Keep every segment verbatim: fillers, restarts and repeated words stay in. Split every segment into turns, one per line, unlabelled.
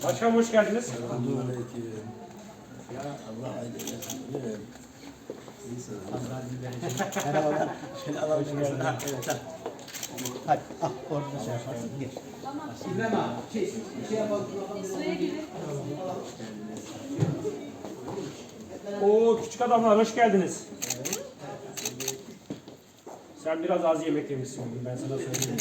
Başkanım hoş geldiniz.
Selamünaleyküm. Ya Allah aydın etsin.
Merhabalar. Şöyle alalım şunu. Ha, evet, ha. Hadi, ah, orada şey yaparsın. Gel. İbrahim abi, şey, şey yapalım.
Sıraya girin.
Oo küçük adamlar hoş geldiniz. Sen biraz az yemek yemişsin bugün, ben sana söyleyeyim.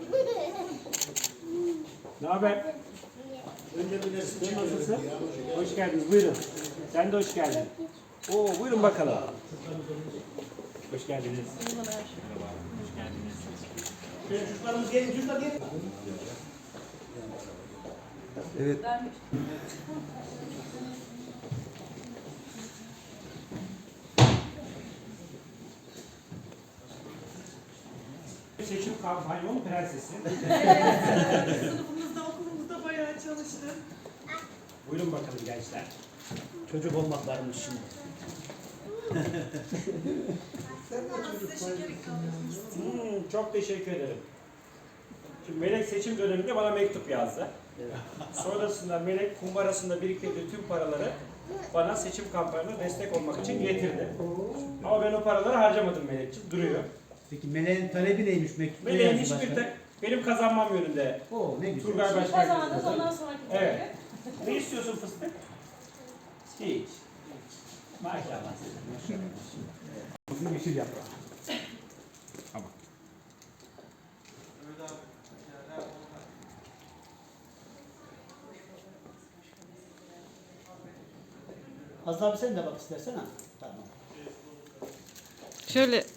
Ne haber? Önce bilirsin. Sen nasılsın? Hoş geldiniz. Buyurun. Sen de hoş geldin. Oo buyurun bakalım. Hoş geldiniz. Merhaba. Hoş geldiniz.
Şöyle çocuklarımız gelin, çocuklar gelin.
Evet.
Seçim kampanyonun prensesi.
Sınıfımızda, okulumuzda bayağı çalıştım.
Buyurun bakalım gençler.
Çocuk olmak varmış şimdi.
Size şeker ikram etmek
Hmm, çok teşekkür ederim. Şimdi Melek seçim döneminde bana mektup yazdı. Sonrasında Melek kumbarasında biriktirdiği tüm paraları bana seçim kampanyasına destek olmak için getirdi. Ama ben o paraları harcamadım Melek'ciğim, duruyor.
Peki Meleğin talebi neymiş mektupta?
Meleğin hiçbir tek benim kazanmam yönünde.
Oo ne güzel.
Turgay Başkan.
Kazandınız ondan sonraki
Evet.
evet.
Ne istiyorsun fıstık? Hiç. Maşallah.
Bugün yeşil yaprağı.
Tamam.
Az abi sen de bak istersen ha. Tamam.
Şöyle